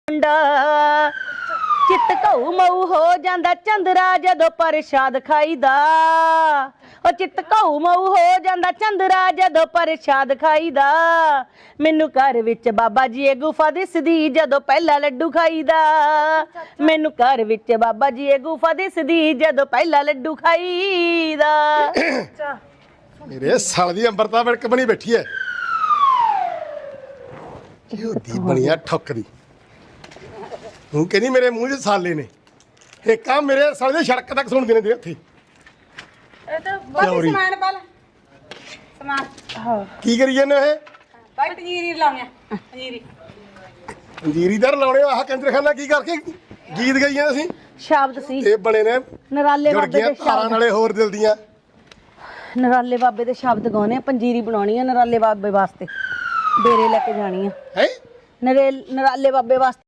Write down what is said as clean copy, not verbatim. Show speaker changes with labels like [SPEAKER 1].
[SPEAKER 1] ਮੁੰਡਾ ਚਿੱਤ ਘਊ ਮਊ ਹੋ ਜਾਂਦਾ ਚੰਦਰਾ ਜਦੋਂ ਪ੍ਰਸ਼ਾਦ ਖਾਈਦਾ। ਉਹ ਚਿੱਤ ਘਊ ਮਊ ਹੋ ਜਾਂਦਾ ਚੰਦਰਾ ਜਦੋਂ ਪ੍ਰਸ਼ਾਦ ਖਾਈਦਾ। ਮੈਨੂੰ ਘਰ ਵਿੱਚ ਬਾਬਾ ਜੀ ਇਹ ਗੁਫਾ ਦਿਸਦੀ ਜਦੋਂ ਪਹਿਲਾ ਲੱਡੂ ਖਾਈਦਾ। ਮੈਨੂੰ ਘਰ ਵਿੱਚ ਬਾਬਾ ਜੀ ਇਹ ਗੁਫਾ ਦਿਸਦੀ ਜਦੋਂ ਪਹਿਲਾ ਲੱਡੂ ਖਾਈਦਾ।
[SPEAKER 2] ਮੇਰੇ ਸਾਲ ਦੀ ਅੰਬਰਤਾ ਵਿੜਕ ਬਣੀ ਬੈਠੀ ਐ। ਦੀ ਬਣੀਆ ਠੱਕਦੀ ਤੂੰ ਕਹਿੰਦੀ ਮੇਰੇ ਮੂੰਹ 'ਚ ਸਾਲੇ ਨੇ ਇਹ ਕੰਮ ਮੇਰੇ ਸਾਲੇ ਦੇ ਸੜਕ ਤੱਕ ਸੁਣਦੇ ਨੇ ਤੇਰੇ ਉੱਥੇ।
[SPEAKER 3] ਇਹ ਤਾਂ ਬਾਕੀ ਸਮਾਨ ਪਾ ਲੈ ਸਮਾਨ।
[SPEAKER 1] ਹਾਂ
[SPEAKER 2] ਕੀ ਕਰੀ ਜਾਂਦੇ ਇਹ
[SPEAKER 3] ਬਾਈ ਪੰਜੀਰੀ ਲਾਉਣਿਆ ਪੰਜੀਰੀ
[SPEAKER 2] ਪੰਜੀਰੀਦਾਰ ਲਾਉਣੇ ਆਹ ਕੰਜਰਖਾਨਾ ਕੀ ਕਰਕੇ ਗੀਤ ਗਾਈਆਂ ਅਸੀਂ
[SPEAKER 1] ਸ਼ਬਦ ਸੀ
[SPEAKER 2] ਇਹ ਬਣੇ ਨੇ
[SPEAKER 1] ਨਰਾਲੇ
[SPEAKER 2] ਜੁੜ
[SPEAKER 1] ਬਾਬੇ
[SPEAKER 2] ਗਈਆਂ
[SPEAKER 1] ਦੇ
[SPEAKER 2] ਤਾਰਾਂ
[SPEAKER 1] ਸ਼ਬਦ।
[SPEAKER 2] ਨਾਲੇ ਹੋਰ ਦਿਲ ਦੀਆਂ।
[SPEAKER 1] ਨਰਾਲੇ ਬਾਬੇ ਦੇ ਸ਼ਬਦ ਗਾਉਣੇ ਆ। ਪੰਜੀਰੀ ਬਣਾਉਣੀ ਆ ਨਰਾਲੇ ਬਾਬੇ ਵਾਸਤੇ। ਡੇਰੇ ਲੈ ਕੇ ਜਾਣੀ ਆ।
[SPEAKER 2] ਹੈ
[SPEAKER 1] ਨਰਾਲੇ ਬਾਬੇ ਵਾਸਤੇ।